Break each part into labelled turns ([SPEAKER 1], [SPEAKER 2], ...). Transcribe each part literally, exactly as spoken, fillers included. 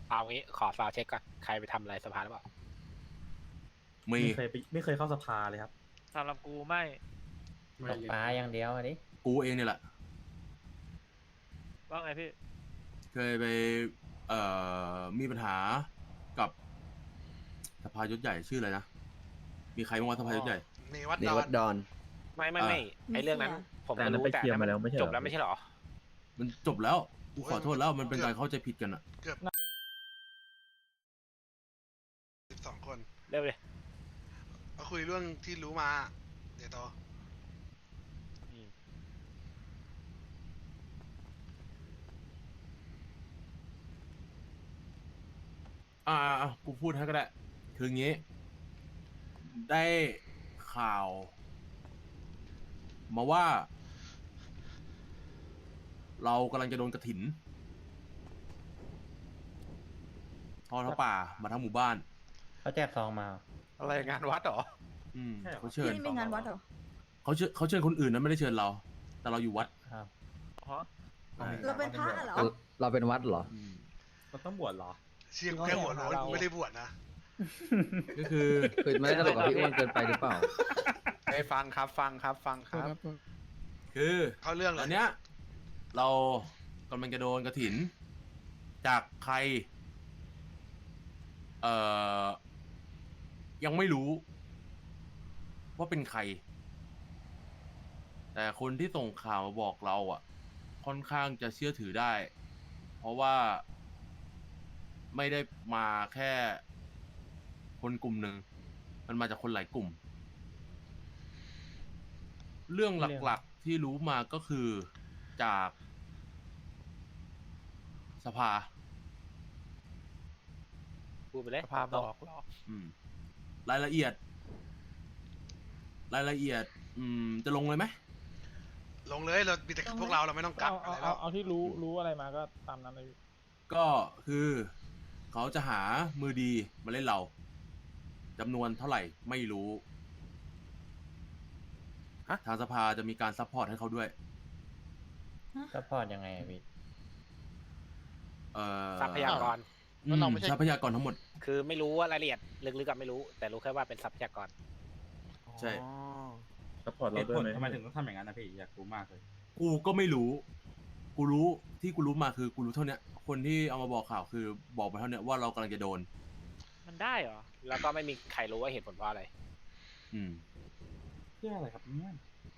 [SPEAKER 1] เอางี้ขอฟาวเช็คก่อนใครไปทำอะไรสภาหรือเปล่า
[SPEAKER 2] มี
[SPEAKER 3] ไม่เคยไปไม่เคยเข้าสภาเลยครับ
[SPEAKER 4] สำหรับกูไม่
[SPEAKER 5] ตกปลาอย่างเดียวอะดิ
[SPEAKER 2] กูเองเนี่ยแหละ
[SPEAKER 4] ว่าไงพี่
[SPEAKER 2] เคยไปเอ่อมีปัญหากับสภายศใหญ่ชื่ออะไรนะมีใครบ้างวะสภายศใหญ่
[SPEAKER 6] เนวัด
[SPEAKER 7] เน
[SPEAKER 6] ดอ
[SPEAKER 7] วัน ดดอน
[SPEAKER 1] ไม่ไม่ไม่ไอเรื่องนั้น ผม
[SPEAKER 3] แต่อันนั้น
[SPEAKER 1] รู้
[SPEAKER 3] ไป
[SPEAKER 1] แต่
[SPEAKER 3] เคลียร์มาแล้วไม่ใช่เหรอ
[SPEAKER 1] จบแล้วไม่ใช่เหรอ
[SPEAKER 2] มันจบแล้วกูขอโทษแล้วมันเป็นการเข้าใจผิดกันอะ
[SPEAKER 6] เกือบสิบสองคน
[SPEAKER 1] เร็วเลย
[SPEAKER 6] มาคุยเรื่องที่รู้มา เดี๋ยวต่อ
[SPEAKER 2] อ่าอ่ะกูพูดให้ก็ได้คืองี้ ได้ข่าว มาว่า เรากำลังจะโดนกระถินทอดผ้าป่ามาทั้งหมู่บ้าน
[SPEAKER 5] เขาแจกซองมา
[SPEAKER 1] อะไรงานวัดเหรอ
[SPEAKER 2] อืม
[SPEAKER 3] ใช่เหรอ
[SPEAKER 2] เขาเชิญ
[SPEAKER 8] นี่เป็นงานวัดเหรอ
[SPEAKER 2] เขาเชิญเขาเชิญคนอื่นนะไม่ได้เชิญเรา แต่เราอยู่วัด
[SPEAKER 5] ครับ
[SPEAKER 4] ฮะ
[SPEAKER 2] ใช่
[SPEAKER 8] เราเป็นพระเหรอ
[SPEAKER 7] เราเป็นวัดเหรอ
[SPEAKER 2] อืม
[SPEAKER 3] มันต้องบวชเหรอ
[SPEAKER 6] เชียร์กูแค่หัวโล้นกูไม่ได้บวชนะ
[SPEAKER 2] ก็คือ
[SPEAKER 7] คือไม่ได้ตลกกับพี่อ้วนเกินไปหรือเปล่า
[SPEAKER 1] ไปฟังครับฟังครับฟังครับ
[SPEAKER 2] คือ
[SPEAKER 6] เข้าเรื่องเล
[SPEAKER 2] ต
[SPEAKER 6] ย
[SPEAKER 2] อนเนี้ย เรากำลังจะโดนกระถิน จากใคร เอ่อ ยังไม่รู้ ว่าเป็นใคร แต่คนที่ส่งข่าวมาบอกเราอ่ะ ค่อนข้างจะเชื่อถือได้ เพราะว่า ไม่ได้มาแค่ คนกลุ่มหนึ่ง มันมาจากคนหลายกลุ่ม เรื่องหลักๆที่รู้มาก็คือจาก สภา
[SPEAKER 1] พูดไปเลย
[SPEAKER 4] สภาบอกเหรอ
[SPEAKER 2] อืม รายละเอียด รายละเอียด อืม จะลงเลยไหม
[SPEAKER 6] ลงเลยเรามีแต่พวกเราเราไม่ต้องกัก
[SPEAKER 9] เอา
[SPEAKER 6] อะไร
[SPEAKER 9] เอา
[SPEAKER 6] แล้ว
[SPEAKER 9] เอาที่รู้รู้อะไรมาก็ตามนั้นเลย
[SPEAKER 2] ก็คือเขาจะหามือดีมาเล่นเราจำนวนเท่าไหร่ไม่รู้ ทางสภาจะมีการซัพพอร์ตให้เขาด้วย
[SPEAKER 5] ซัพพอร์ตยังไงอะพี่
[SPEAKER 2] เอ่อ
[SPEAKER 1] ทรัพยากร
[SPEAKER 2] อืมทรัพยากรทั้งหมด
[SPEAKER 1] คือไม่รู้ว่ารายละเอียดลึกๆกับไม่รู้ แต่รู้แค่ว่าเป็นทรัพยากร
[SPEAKER 2] ใช่
[SPEAKER 3] ซัพพอร์ต
[SPEAKER 10] เห
[SPEAKER 3] เรา
[SPEAKER 10] ตุ
[SPEAKER 3] ด้ว
[SPEAKER 10] ผ
[SPEAKER 3] ย
[SPEAKER 10] ล
[SPEAKER 3] ไหม
[SPEAKER 10] ทำไมถึงต้องทำอย่างนั้นนะพี่อยากรู้มากเลย
[SPEAKER 2] กูก็ไม่รู้ กูรู้ที่กูรู้มาคือกูรู้เท่าเนี้ย คนที่เอามาบอกข่าวคือบอกมาเท่าเนี้ยว่าเรากำลังจะโดน
[SPEAKER 4] มันได้เหรอ
[SPEAKER 1] แล้วก็ไม่มีใครรู้ว่าเหตุผลเพราะอะไร
[SPEAKER 2] อืม
[SPEAKER 10] เพื่ออะไรครับเนี่ย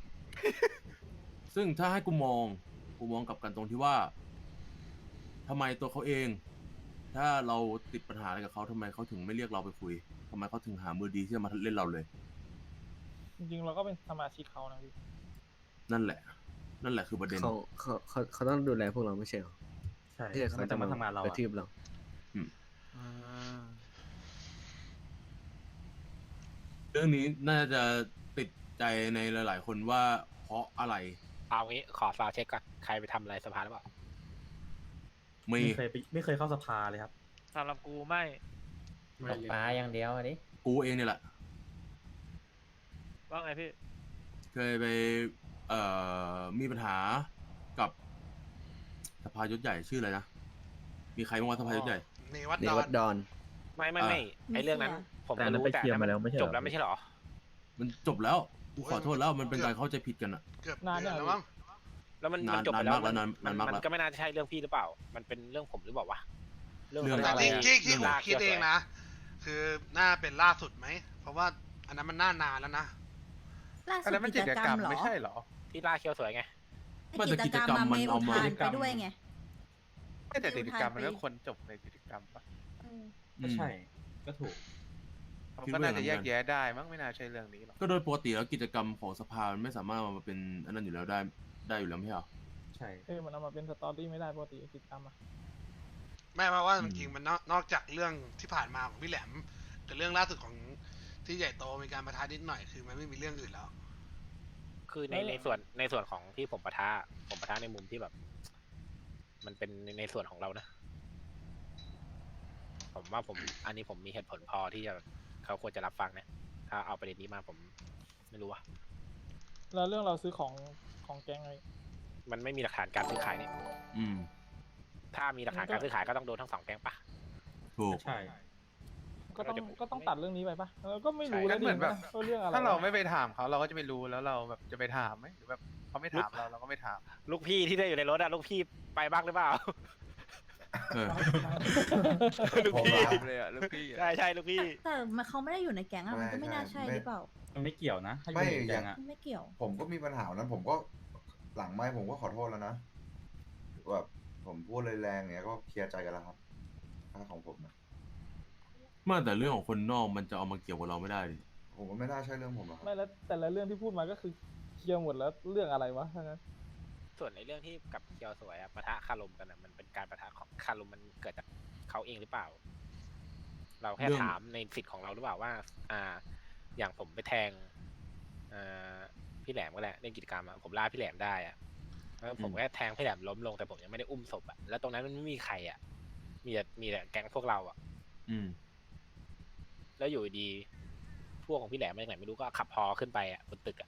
[SPEAKER 2] ซึ่งถ้าให้กูมอง กูมองกลับกันตรงที่ว่าทำไมตัวเขาเอง ถ้าเราติดปัญหาอะไรกับเขาทำไมเขาถึงไม่เรียกเราไปคุยทำไมเขาถึงหามือดีที่จะมาเล่นเราเลย
[SPEAKER 9] จริงๆเราก็เป็นสมาชิกเขานะพี่
[SPEAKER 2] นั่นแหละ นั่นแหละคือประเด็น
[SPEAKER 7] เขาเขาเขาเขาต้องดูแลพวกเราไม่ใช่เหรอ
[SPEAKER 3] ใช่
[SPEAKER 7] ที่
[SPEAKER 3] แล้ว
[SPEAKER 7] เขา
[SPEAKER 3] มัน
[SPEAKER 7] จะ
[SPEAKER 3] จะ
[SPEAKER 7] มา
[SPEAKER 3] มาทำงานเรา
[SPEAKER 7] กระ
[SPEAKER 3] อะ
[SPEAKER 7] ทืบเรา
[SPEAKER 2] เรื่องนี้น่าจะติดใจในหลาย ๆ คนว่าเพราะอะไร
[SPEAKER 1] เอางี้ขอฟาวเช็คก่อนใครไปทำอะไรสภาหรือเปล่า
[SPEAKER 2] มี
[SPEAKER 3] ไม่เคยไปไม่เคยเข้าสภาเลยครับ
[SPEAKER 4] สำหรับกูไม่
[SPEAKER 5] ตกปลาอย่างเดียวอะดิ
[SPEAKER 2] กูเองเนี่ยแหละ
[SPEAKER 4] ว่าไงพี่
[SPEAKER 2] เคยไปเอ่อมีปัญหากับสภายศใหญ่ชื่ออะไรนะมีใครบ้างวะสภายศใหญ่
[SPEAKER 6] เนวัด
[SPEAKER 7] เน
[SPEAKER 6] ดอ
[SPEAKER 7] วัน ดดอน
[SPEAKER 1] ไม่ไม่ไม่ไอเรื่องนั้น ผม
[SPEAKER 3] แต่อันนั้น
[SPEAKER 1] รู้
[SPEAKER 3] ไป
[SPEAKER 1] แต่
[SPEAKER 3] เคลียร์มาแล้วไม่ใช่เหรอ
[SPEAKER 1] จบแล้วไม่ใช่เหรอ
[SPEAKER 2] มันจบแล้วกูขอโทษแล้วมันเป็นการเข้าใจผิดกันอะ
[SPEAKER 6] เกือบ
[SPEAKER 9] นาน
[SPEAKER 6] เดือน
[SPEAKER 9] ยัง
[SPEAKER 6] แล้วมั้ง
[SPEAKER 1] แล้วมัน
[SPEAKER 2] นาน
[SPEAKER 1] มันจบไปแล้ว
[SPEAKER 2] นานมากแล้วนาน
[SPEAKER 1] มัน
[SPEAKER 2] นานมาก
[SPEAKER 1] มัน
[SPEAKER 2] แล้ว
[SPEAKER 1] ก็ไม่น่าจะใช่เรื่องพี่หรือเปล่า มันเป็นเรื่องผมหรือเปล่าวะ
[SPEAKER 2] เรื่อง
[SPEAKER 1] ะ
[SPEAKER 6] แต่
[SPEAKER 1] ไร
[SPEAKER 6] ที่
[SPEAKER 1] อะ
[SPEAKER 6] ที่ที่ผม
[SPEAKER 1] ลาก
[SPEAKER 6] คิดเอง
[SPEAKER 1] สื้
[SPEAKER 6] นะ คือน่าเป็นล่าสุดไหม เพราะว่าอันนั้นมันน่านานแล้วนะ
[SPEAKER 8] ล่าสุดกิจกรรมเหรอ
[SPEAKER 1] ที่ลากเคียวสวยไง
[SPEAKER 2] ไม่แต่กิจกรรมมันเอามา
[SPEAKER 8] อุทนไปด้วยไง
[SPEAKER 11] ไม่แต่กิจกรรมมัน
[SPEAKER 8] อุทานไป
[SPEAKER 11] ก็ควรจบในกิจกรรมปะ
[SPEAKER 8] เออ
[SPEAKER 10] ก็ใช่ ก็ถูก
[SPEAKER 11] มันก็น่าจะแยกแยะได้มั้งไม่น่าใช่เรื่องนี้หรอก
[SPEAKER 2] ก็โดยปกติแล้วกิจกรรมของสภามันไม่สามารถเอามาเป็นอันนั้นอยู่แล้วได้ได้อยู่แล้วไม่ใช่เหรอ
[SPEAKER 10] ใช่
[SPEAKER 9] เออมันเอามาเป็นสตอรี่ไม่ได้ปกติกิจกรรมอะ
[SPEAKER 6] ไม่เพราะว่า
[SPEAKER 2] อืม
[SPEAKER 6] จริงๆมันนอกนอกจากเรื่องที่ผ่านมาของพี่แหลมกับเรื่องล่าสุดของที่ใหญ่โตมีการประทะนิดหน่อยคือมันไม่มีเรื่องอื่นแล้ว
[SPEAKER 1] คือในในส่วนในส่วนของที่ผมปะทะผมปะทะในมุมที่แบบ มันเป็นในในส่วนของเรานะ ผมว่าผมอันนี้ผมมีเหตุผลพอที่จะเขาควรจะรับฟังนะถ้าเอาประเด็นนี้มาผมไม่รู้ว่า
[SPEAKER 9] แล้วเรื่องเราซื้อของของแก๊งอะไร
[SPEAKER 1] มันไม่มีหลักฐานการซื้อขายนี่
[SPEAKER 2] อืม
[SPEAKER 1] ถ้ามีหลักฐานการซื้อขายก็ต้องโดนทั้งสองแก๊งปะ
[SPEAKER 2] ถูก
[SPEAKER 10] ใช่
[SPEAKER 9] ก็ต้องก็ต้องตัดเรื่องนี้ไปปะเออก็ไม่รู้
[SPEAKER 11] ใช่
[SPEAKER 9] แล้ว
[SPEAKER 11] เหมือนแบบ
[SPEAKER 9] ว่าเรื่องอะไร
[SPEAKER 11] ถ้าเรา
[SPEAKER 9] วะ
[SPEAKER 11] ไม่ไปถามเขาเราก็จะไม่รู้แล้วเราแบบจะไปถามไหมหรือแบบเขาไม่ถามเราเราก็ไม่ถาม
[SPEAKER 1] ลูกพี่ที่ได้อยู่ในรถอะลูกพี่ไปบ้างหรือเปล่า
[SPEAKER 2] เออ
[SPEAKER 1] ลูกพี่
[SPEAKER 11] ถามเลยอะลูกพี่อะ
[SPEAKER 1] ใช่ใช่ลูกพี่
[SPEAKER 12] แต่มันเขาไม่ได้อยู่ในแก๊งอะมันก็ไม่น่าใช่หรือเปล่า
[SPEAKER 10] มันไม่เกี่ยวนะถ้าอ
[SPEAKER 8] ไม่
[SPEAKER 10] ยู่ใน
[SPEAKER 8] อ
[SPEAKER 10] แก๊
[SPEAKER 8] ย่าง
[SPEAKER 10] งอะ
[SPEAKER 12] มันไม่เกี่ยว
[SPEAKER 8] ผมก็มีปัญหานั้นผมก็หลังไม้ผมก็ขอโทษแล้วนะแบบผมพูดเลยแรงเนี้ยก็เคลียร์ใจกันแล้วครับถ้าของผมนะ
[SPEAKER 2] เมื่อแต่เรื่องของคนนอกมันจะเอามาเกี่ยวกับเราไม่ได้ดิ
[SPEAKER 8] ผมก็ไม่น่าใช่เรื่องผมหรอกครับ
[SPEAKER 9] ไม่แล้วแต่ละเรื่องที่พูดมาก็คือเคลียร์หมดแล้วเรื่องอะไรวะทั้งนั้น
[SPEAKER 1] ส่วนในเรื่องที่กับเคียวสวยอะปะทะคารมกันอะมันเป็นการปะทะของคารมมันเกิดจากเขาเองหรือเปล่า เราแค่ถามในสิทธิ์ของเราหรือเปล่าว่า อ่า อย่างผมไปแทงอ่าพี่แหลมก็แหละเล่นกิจกรรมอะผมล่าพี่แหลมได้อะแล้วผมแค่แทงพี่แหลมล้มลงแต่ผมยังไม่ได้อุ้มศพอะแล้วตรงนั้นมันไม่มีใครอะมีแต่มีแต่แก๊งพวกเราอะ
[SPEAKER 2] อืม
[SPEAKER 1] แล้วอยู่ดีพวกของพี่แหลมมาจากไหนไม่รู้ก็ขับพอขึ้นไปอะบนตึกอะ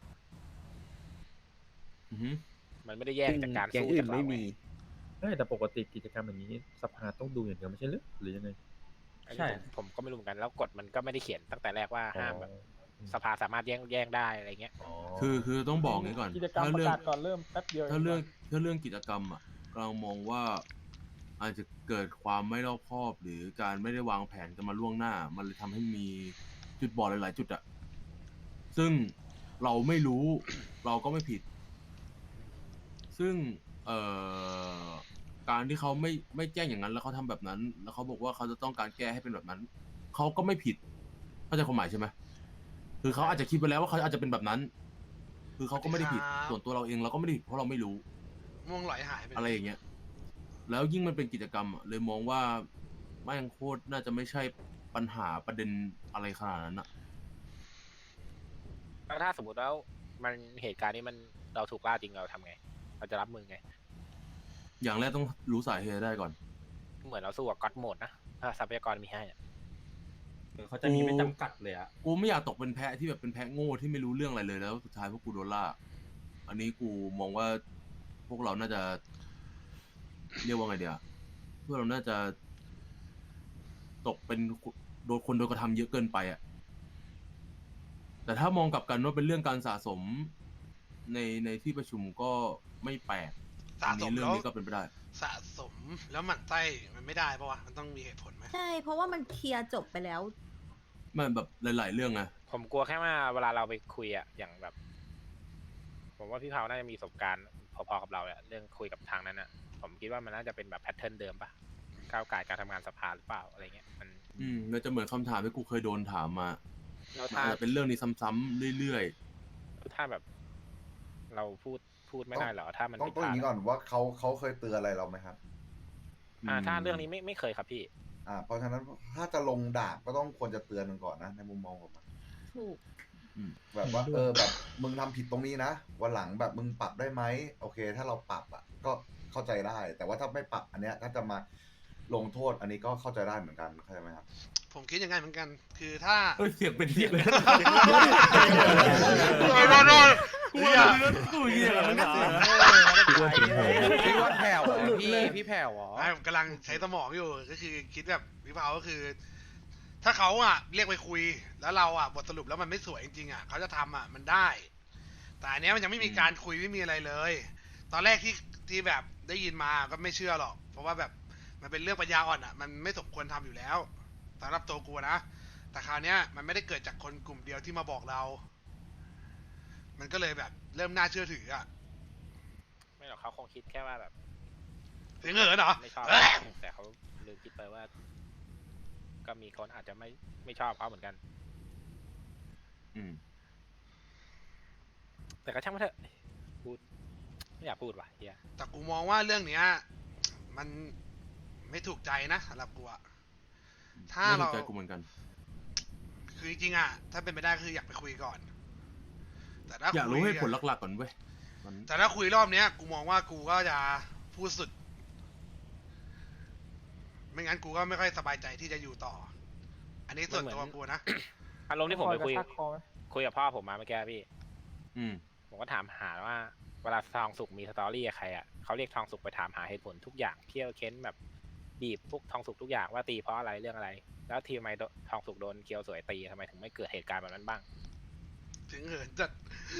[SPEAKER 2] อือฮึ
[SPEAKER 1] มันไม่ได้แยกจากการ
[SPEAKER 7] แก๊ง
[SPEAKER 1] สู้
[SPEAKER 7] อื่
[SPEAKER 1] จาก
[SPEAKER 7] น
[SPEAKER 1] เรา
[SPEAKER 7] ไม่มี
[SPEAKER 3] ใช่แต่ปกติกิจกรรมอย่างนี้สภาต้องดูอย่างเดียวไม่ใช่หรือหรือยังไง
[SPEAKER 1] อันนี้ผมผมก็ไม่รู้เหมือนกันแล้วกฎมันก็ไม่ได้เขียนตั้งแต่แรกว่าห้ามแบบ
[SPEAKER 3] อ๋อ
[SPEAKER 1] สภาสามารถแย่งแย่งได้อะไรเงี้ย
[SPEAKER 2] คือคือต้องบอกงี้ก่อน
[SPEAKER 9] กิจกรรม
[SPEAKER 2] ถ้า
[SPEAKER 9] ประ
[SPEAKER 2] เรื่อง
[SPEAKER 9] กาศก่อนเริ่มแป๊บเดียว
[SPEAKER 2] ถ้าเรื่องถ้าเรื่องกิจกรรมอ่ะกำลังมองว่าอาจจะเกิดความไม่รอบคอบ หรือการไม่ได้วางแผนกันมาล่วงหน้า มันเลยทำให้มีจุดบอดหลาย ๆ จุดอ่ะซึ่งเราไม่รู้เราก็ไม่ผิด ซึ่งเอ่อการที่เขาไม่ไม่แจ้งอย่างนั้น แล้วเขาทำแบบนั้น แล้วเขาบอกว่าเขาจะต้องการแก้ให้เป็นแบบนั้นเขาก็ไม่ผิดเข้าใจความหมายใช่ไหมคือเขาอาจจะคิดไปแล้วว่าเขาอาจจะเป็นแบบนั้น คือเขาก็ไม่ได้ผิด
[SPEAKER 6] ครับ
[SPEAKER 2] ส่วนตัวเราเองเราก็ไม่ได้ผิดเพราะเราไม่รู้
[SPEAKER 6] ม่วงไหลหายไป
[SPEAKER 2] อะไรอย่างเงี้ย แล้วยิ่งมันเป็นกิจกรรมอะเลยมองว่าแม่งโคตรน่าจะไม่ใช่ปัญหาประเด็นอะไรขนาดนั้นอะ
[SPEAKER 1] แล้วถ้าสมมติแล้วมันเหตุการณ์นี้มันเราถูกล่าจริงเราทำไง เราจะรับมือไง
[SPEAKER 2] อย่างแรกต้องรู้สาเหตุได้ก่อน
[SPEAKER 1] เหมือนเราสู้กับก็อดโหมดนะถ้าทรัพยากรมีให้อะ
[SPEAKER 10] เออเขาจะมีไม่จำกัดเลยอะ
[SPEAKER 2] กูไม่อยากตกเป็นแพะที่แบบเป็นแพะโง่ที่ไม่รู้เรื่องอะไรเลยแล้วสุดท้ายพวกกูโดนล่า อันนี้กูมองว่าพวกเราน่าจะ เรียกว่าไงเดียวพวกเราน่าจะตกเป็นโดนคนโดนกระทำเยอะเกินไปอะแต่ถ้ามองกลับกันว่าเป็นเรื่องการสะสมในในที่ประชุมก็ไม่แปลก
[SPEAKER 6] สะ
[SPEAKER 2] อัน
[SPEAKER 6] ส
[SPEAKER 2] นี้
[SPEAKER 6] ม
[SPEAKER 2] เรื่อง
[SPEAKER 6] แล้ว
[SPEAKER 2] นี้ก็เป็นไปได้
[SPEAKER 6] สะสมแล้วหมั่นไส้มันไม่ได้ปะวะมันต้องมีเหตุผลไหม
[SPEAKER 12] ใช่ เพราะว่ามันเคลียร์จบไปแล้ว
[SPEAKER 2] มันแบบหลาย ๆ เรื่องไง
[SPEAKER 1] ผมกลัวแค่ว่าเวลาเราไปคุยอะอย่างแบบ ผมว่าพี่เผาน่าจะมีประสบการณ์พอๆกับเราอะเรื่องคุยกับทางนั้นอะผมคิดว่ามันน่าจะเป็นแบบแพทเทิร์นเดิมปะก้าวไก่การทำงานสภาหรือเปล่าอะไรเงี้ยมัน
[SPEAKER 2] อืมแล้วจะเหมือนคำถามที่กูเคยโดนถามมา
[SPEAKER 1] แล้ว
[SPEAKER 2] มัน
[SPEAKER 1] ถ้า
[SPEAKER 2] อาจจะเป็นเรื่องนี้ซ้ำๆเรื่อย
[SPEAKER 1] ถ้าแบบ เราพูดพูดไม่ได้เหรอถ้ามัน
[SPEAKER 8] ต้อง
[SPEAKER 1] ผิด
[SPEAKER 8] ต้อง
[SPEAKER 1] พ
[SPEAKER 8] อ
[SPEAKER 1] ลา
[SPEAKER 8] ย่าง
[SPEAKER 1] ด
[SPEAKER 8] นี้ก่อนว่าเขาเขาเคยเตือนอะไรเราไหมครับ
[SPEAKER 2] ๆ
[SPEAKER 1] อ่า
[SPEAKER 2] ม
[SPEAKER 1] ถ้าเรื่องนี้ไม่ไม่เคยครับพี่
[SPEAKER 8] อ่า เพราะฉะนั้นถ้าจะลงดาบก็ต้องควรจะเตือนมันก่อนนะในมุมมองผมอะ
[SPEAKER 12] ถูก
[SPEAKER 8] แบบว่าเออแบบมึงทำผิดตรงนี้นะวันหลังแบบมึงปรับได้ไหมโอเค ถ้าเราปรับอ่ะก็เข้าใจได้ แต่ว่าถ้าไม่ปรับอันเนี้ยถ้าจะมาลงโทษอันนี้ก็เข้าใจได้เหมือนกันเข้าใจไหมครับ
[SPEAKER 6] ผมคิดยังไงเหมือนกัน คือถ้า
[SPEAKER 2] เอ้ยเสียงเป็นเสียงเลย
[SPEAKER 6] โอ้ยโดนโดน
[SPEAKER 2] กู
[SPEAKER 6] เหี้ย
[SPEAKER 2] เลือดกูเหี้ยแล้วนะเสียง
[SPEAKER 11] พี่ว่าแผ่วเหรอพี่พี่แผ่วเหรอ
[SPEAKER 6] ไม่ผมกำลังใช้สมองอยู่ก็คือคิดแบบวิภาก็คือ ถ้าเขาอ่ะเรียกไปคุย แล้วเราอ่ะบทสรุปแล้วมันไม่สวยจริงๆอ่ะเขาจะทำอ่ะมันได้ แต่อันเนี้ยมันยังไม่มีการคุยไม่มีอะไรเลย ตอนแรกที่ที่แบบได้ยินมาก็ไม่เชื่อหรอก เพราะว่าแบบมันเป็นเรื่องปัญญาอ่อนอ่ะ มันไม่สมควรทำอยู่แล้วสำหรับตัวกูนะ แต่คราวเนี้ยมันไม่ได้เกิดจากคนกลุ่มเดียวที่มาบอกเรา มันก็เลยแบบเริ่มน่าเชื่อถืออ่ะ
[SPEAKER 1] ไม่หรอกเขาคงคิดแค่ว่าแบบ
[SPEAKER 6] เสียงเหินเหรอ
[SPEAKER 1] ไม่ชอบ
[SPEAKER 6] เอ้ย
[SPEAKER 1] แต่เขาลืมคิดไปว่า ก็มีคนอาจจะไม่ไม่ชอบเขาเหมือนกัน
[SPEAKER 2] อืม
[SPEAKER 1] แต่ก็ช่างมันเถอะพูดไม่อยากพูดว่ะเฮีย
[SPEAKER 6] แต่กูมองว่าเรื่องเนี้ยมันไม่ถูกใจนะสำหรับกูอะถ้า
[SPEAKER 2] ไม่ถู
[SPEAKER 6] เรา
[SPEAKER 2] กใจกูเหมือนกัน
[SPEAKER 6] คือจริงๆอะถ้าเป็นไปได้คืออยากไปคุยก่อน แต่ถ้า
[SPEAKER 2] อยากรู้
[SPEAKER 6] คุ
[SPEAKER 2] ให้ผลหลักๆก่อนเว้ยมัน
[SPEAKER 6] แต่ถ้าคุยรอบเนี้ย กูมองว่ากูก็จะพูดสุด ไม่งั้นกูก็ไม่ค่อยสบายใจที่จะอยู่ต่อ อันนี้ส่วนตัวกูนะ
[SPEAKER 1] อารมณ์ที่ผมไปคุย
[SPEAKER 9] กระชากคอไหม
[SPEAKER 1] คุยกับพ่อผมมาเมื่อกี้พี่
[SPEAKER 2] อืม
[SPEAKER 1] ผมก็ถามหาว่า เวลาทองสุกมีสตอรี่กับใครอ่ะเขาเรียกทองสุกไปถามหาเหตุผลทุกอย่างเที่ยวเค้นแบบบีบพวกทองสุกทุกอย่างว่าตีเพราะอะไรเรื่องอะไร แล้วทีมไมทองสุกโดนเคียวสวยตีทำไมถึงไม่เกิดเหตุการณ์แบบนั้นบ้าง
[SPEAKER 6] ถึงเหินจัด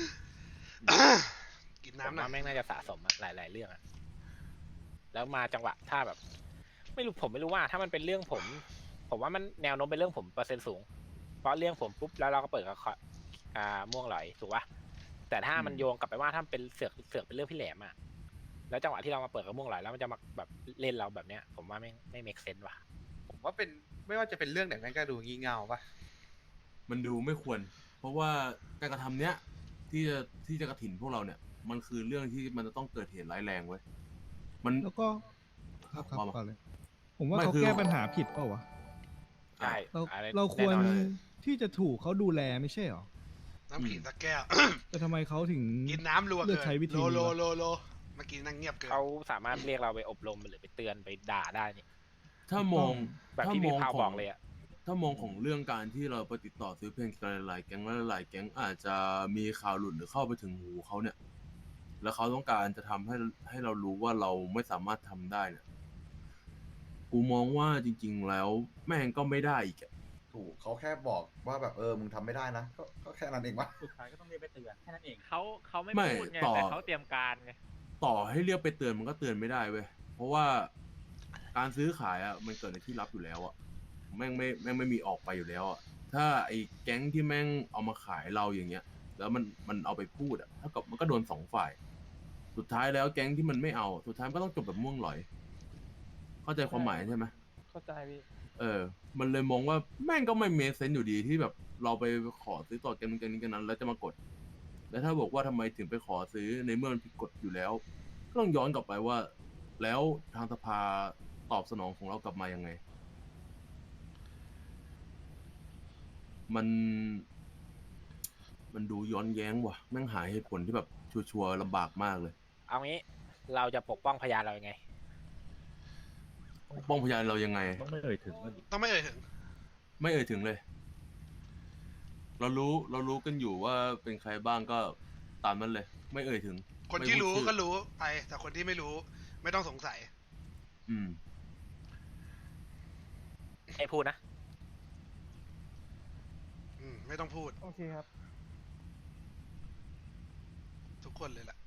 [SPEAKER 6] กิน
[SPEAKER 1] ผม
[SPEAKER 6] น้ำหน่อ
[SPEAKER 1] ว่าย แม่งน่าจะสะสมอะหลาย ๆ เรื่องอะแล้วมาจังหวะถ้าแบบ ไม่รู้ผมไม่รู้ว่า ถ้ามันเป็นเรื่องผม ผมว่ามันแนวโน้มเป็นเรื่องผมเปอร์เซ็นต์สูง เพราะเรื่องผมปุ๊บแล้วเราก็เปิดกับอ่าม่วงหลอยถูกปะแต่ถ้ามันโยงกลับไปว่าถ้าเป็นเสือกเสือกเป็นเรื่องพี่แหลมอะแล้วจังหวะที่เรามาเปิดกับม่วงหลอยแล้วมันจะมาแบบเล่นเราแบบเนี้ย ผมว่าไม่ไม่ make sense ว่ะ
[SPEAKER 11] ผมว่าเป็นไม่ว่าจะเป็นเรื่องไหนแม่งก็ดูงี่เง่าปะ
[SPEAKER 2] มันดูไม่ควร เพราะว่าการกระทำเนี้ยที่จะที่จะกระถิ่นพวกเราเนี่ย มันคือเรื่องที่มันจะต้องเกิดเหตุร้ายแรงเว้ยมัน
[SPEAKER 13] แล้วก็ครับครับ
[SPEAKER 2] ว่ามา
[SPEAKER 13] ก่อนเลย ผมว่า
[SPEAKER 2] ไม่
[SPEAKER 13] เขา
[SPEAKER 2] คือ
[SPEAKER 13] แก้ปัญหาผิดเปล่าวะ
[SPEAKER 1] ใช่
[SPEAKER 13] เรา
[SPEAKER 1] อะไร
[SPEAKER 13] เราควร
[SPEAKER 1] แน่นอนเลย
[SPEAKER 13] ที่จะถูกเขาดูแลไม่ใช่หรอ
[SPEAKER 6] น้ำผีสักแก้ว
[SPEAKER 13] แต่ทำไมเขาถึง
[SPEAKER 6] กินน้ำรัว
[SPEAKER 13] เลื
[SPEAKER 6] เกิ
[SPEAKER 13] อก
[SPEAKER 6] น
[SPEAKER 13] ใช้วิธี
[SPEAKER 6] โล
[SPEAKER 13] นี้
[SPEAKER 6] โล
[SPEAKER 13] วะ
[SPEAKER 6] โลโลเมื่อกี้นั่งเงียบเกิน
[SPEAKER 1] เขาสามารถเรียกเราไปอบรมหรือไปเตือนไปด่าได้นี่
[SPEAKER 2] ถ้ามอง
[SPEAKER 1] แบบ
[SPEAKER 2] ถ้า
[SPEAKER 1] ที่
[SPEAKER 2] ม
[SPEAKER 1] พี่
[SPEAKER 2] อง
[SPEAKER 1] พาว
[SPEAKER 2] ข
[SPEAKER 1] บ
[SPEAKER 2] อ
[SPEAKER 1] อง กเลยอะ
[SPEAKER 2] ถ้ามองของเรื่องการที่เราไปติดต่อซื้อเพลงกันหลายๆแก๊งและหลายๆแก๊งอาจจะมีข่าวหลุดหรือเข้าไปถึงหูเขาเนี่ย แล้วเขาต้องการจะทำให้ให้เรารู้ว่าเราไม่สามารถทำได้เนี่ยกูมองว่าจริง ๆ แล้วแม่งก็ไม่ได้อีกอะ
[SPEAKER 8] ถูกเขาแค่บอกว่าแบบเออมึงทำไม่ได้นะก็ก็แค่นั้นเองวะ
[SPEAKER 10] สุดท้ายก็ต้องเรียกไปเตือนแค่นั้นเอง
[SPEAKER 4] เขาเขาไม่
[SPEAKER 2] ไม่
[SPEAKER 4] พูดไง
[SPEAKER 2] ต่อ
[SPEAKER 4] แต่เขาเตรียมการไง
[SPEAKER 2] ต่อให้เรียกไปเตือนมันก็เตือนไม่ได้เว้ยเพราะว่าการซื้อขายอ่ะมันเกิดในที่ลับอยู่แล้วอ่ะแม่งไม่แม่งไม่มีออกไปอยู่แล้วอ่ะถ้าไอ้แก๊งที่แม่งเอามาขายเราอย่างเงี้ย แล้วมันมันเอาไปพูดอ่ะเท่ากับมันก็โดนสองฝ่าย สุดท้ายแล้วแก๊งที่มันไม่เอาสุดท้ายมันก็ต้องจบแบบม่วงหลอย เข้าใจความหมายใช่ไหม
[SPEAKER 9] เข้าใจพี่
[SPEAKER 2] เออ มันเลยมองว่าแม่งก็ไม่เมคเซนส์อยู่ดีที่แบบเราไปขอซื้อต่อแกนนู้นแกนนี้แกันนั้น แล้วจะมากด แล้วถ้าบอกว่าทำไมถึงไปขอซื้อในเมื่อมันผิดกฎอยู่แล้ว ก็ต้องย้อนกลับไปว่า แล้วทางสภาตอบสนองของเรากลับมายังไง มัน มันดูย้อนแย้งว่ะแม่งหาเหตุผลที่แบบชัวร์ๆลำบากมากเลย
[SPEAKER 1] เอางี้เราจะปกป้องพยานเรายังไง
[SPEAKER 2] ปกป้องพยานเรายังไง
[SPEAKER 3] ต้องไม่เอ่ยถึงมัน
[SPEAKER 6] ต้องไม่เอ่ยถึง
[SPEAKER 2] ไม่เอ่ยถึงเลย เรารู้เรารู้กันอยู่ว่าเป็นใครบ้างก็ตามนั้นเลย ไม่เอ่ยถึง
[SPEAKER 6] คนที่
[SPEAKER 2] ไม่พูด
[SPEAKER 6] รู้
[SPEAKER 2] ชื่อ
[SPEAKER 6] ก็รู้ไปแต่คนที่ไม่รู้ไม่ต้องสงสัย
[SPEAKER 2] อืม
[SPEAKER 1] ให้พูดนะ
[SPEAKER 6] อืมไม่ต้องพูด
[SPEAKER 9] โอเคครับ
[SPEAKER 6] ทุกคนเลยแหละ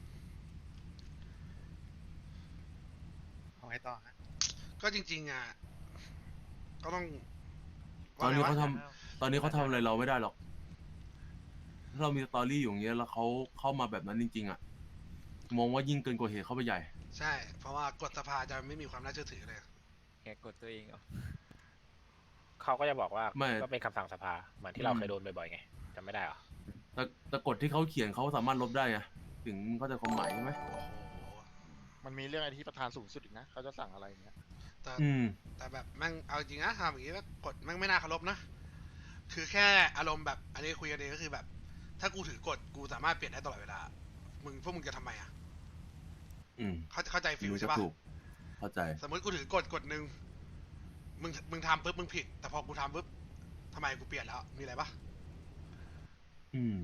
[SPEAKER 11] เอาไงต่อฮะ
[SPEAKER 6] ก็จริง ๆ อ่ะ ก็ต้อง
[SPEAKER 2] ตอนนี้
[SPEAKER 6] ว่
[SPEAKER 2] เขา
[SPEAKER 6] ไงวะ
[SPEAKER 2] ทำตอนนี้เขาทำอะไรเราไม่ได้หรอก ถ้าเรามีสตอรี่อยู่อย่างเงี้ยแล้วเขาเข้ามาแบบนั้นจริง ๆ อ่ะ มองว่ายิ่งเกินกว่าเหตุเข้าไปใหญ่
[SPEAKER 6] ใช่ เพราะว่ากฎสภาจะไม่มีความน่าเชื่อถือเลย
[SPEAKER 10] แกกดตัวเองเหรอ
[SPEAKER 1] เขาก็จะบอกว่า
[SPEAKER 2] ไม่
[SPEAKER 1] ก็เป็นคำสั่งสภาเหมือนที่เรา
[SPEAKER 2] อืม
[SPEAKER 1] เคยโดนบ่อยๆไงจำไม่ได้เหรอ
[SPEAKER 2] แต่แต่กฎที่เขาเขียนเขาสามารถลบได้ไงถึงเข้าใจความหมายใช่ไหม
[SPEAKER 6] โอ้โห
[SPEAKER 11] มันมีเรื่องไอที่ประธานสูงสุดอีกนะเขาจะสั่งอะไรเงี้ย
[SPEAKER 6] แต่
[SPEAKER 2] อืม
[SPEAKER 6] แต่แบบแม่งเอาจริงนะทำอย่างนี้แล้วกฎแม่งไม่น่าเคารพนะ คือแค่อารมณ์แบบ อันนี้คุยกันเองก็คือแบบ ถ้ากูถือกฎกูสามารถเปลี่ยนได้ตลอดเวลา มึงพวกมึงจะทำไมอ่ะ
[SPEAKER 2] อืม
[SPEAKER 6] เข้าเข้าใจฟิล
[SPEAKER 2] รู้จะ
[SPEAKER 6] ใช่ปะ
[SPEAKER 2] ถูก เข้าใจ
[SPEAKER 6] สมมติกูถือกฎกฎหนึ่งมึงมึงทำปุ๊บมึงผิด แต่พอกูทำปุ๊บทำไมกูเปลี่ยนแล้ว มีอะไรปะ
[SPEAKER 2] อืม